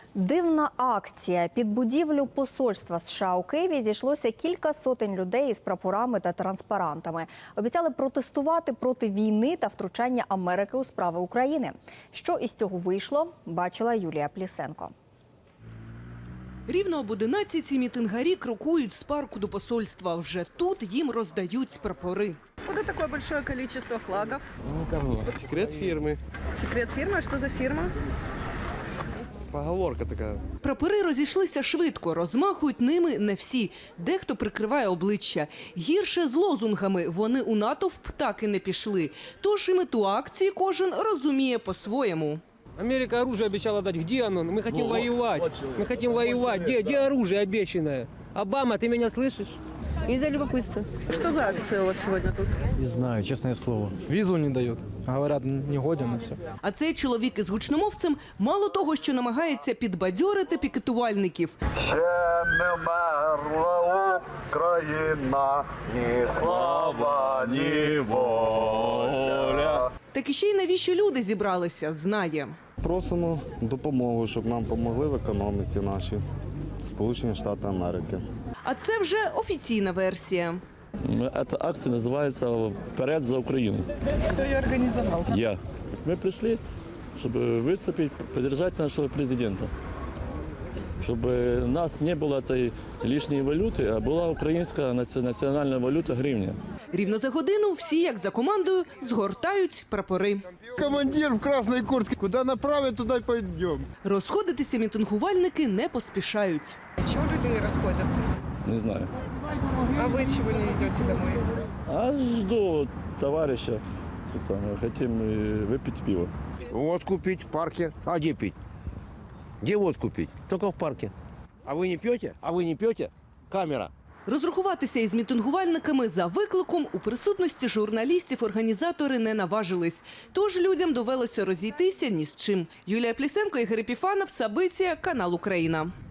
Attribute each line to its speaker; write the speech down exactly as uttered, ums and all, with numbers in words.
Speaker 1: Дивна акція. Під будівлю посольства США у Києві зійшлося кілька сотень людей із прапорами та транспарантами. Обіцяли протестувати проти війни та втручання Америки у справи України. Що із цього вийшло, бачила Юлія Плісенко.
Speaker 2: Рівно об одинадцятій мітингарі крокують з парку до посольства. Вже тут їм роздають прапори.
Speaker 3: Куда такое большое количество флагов?
Speaker 4: Не ко мне.
Speaker 5: Секрет фирмы.
Speaker 3: Секрет фирмы? Что за фирма?
Speaker 5: Поговорка така.
Speaker 2: Прапори розійшлися швидко, розмахують ними не всі. Дехто прикриває обличчя. Гірше з лозунгами. Вони у натовп так і не пішли. Тож і мету акції кожен розуміє по-своєму.
Speaker 4: Америка оружие обещала дать. Где оно? Мы хотим вот, воевать. Вот Мы хотим вот воевать. Где, где оружие обещанное? Обама, ты меня слышишь? Из-за любопытства.
Speaker 3: Что за акция у вас сегодня тут?
Speaker 6: Не знаю, честное слово.
Speaker 7: Визу не дают. Говорят, не годен и все.
Speaker 2: А цей чоловік із гучномовцем мало того, що намагається підбадьорити пікетувальників.
Speaker 8: Ще не вмерла Україна, ні слава, ні воля.
Speaker 2: Так і ще й навіщо люди зібралися, знає.
Speaker 5: Просимо допомогу, щоб нам допомогли в економіці нашій. Сполучені Штати Америки.
Speaker 2: А це вже офіційна версія.
Speaker 9: Эта акция называется «Вперед за Украину».
Speaker 3: Кто ее организовал?
Speaker 9: Я. Мы пришли, чтобы выступить, поддержать нашего президента. Чтобы у нас не было этой лишней валюты, а была украинская национальная валюта гривня.
Speaker 2: Рівно за годину всі, як за командою, згортають прапори.
Speaker 10: Командир в красной куртке. Куда направят, туда и пойдем.
Speaker 2: Розходитися мітингувальники не поспішають.
Speaker 3: Чего люди не расходятся?
Speaker 9: Не знаю.
Speaker 3: А вы чего не идете домой?
Speaker 9: А жду товарища. это самое, Хотим э, выпить пиво.
Speaker 10: Водку пить в парке. А где пить? Где водку пить? Только в парке. А вы не пьете? А вы не пьете? Камера.
Speaker 2: Розрахуватися із мітингувальниками за викликом у присутності журналістів організатори не наважились. Тож людям довелося розійтися ні з чим. Юлія Плісенко, Ігор Епіфанов, Сабиція, канал Україна.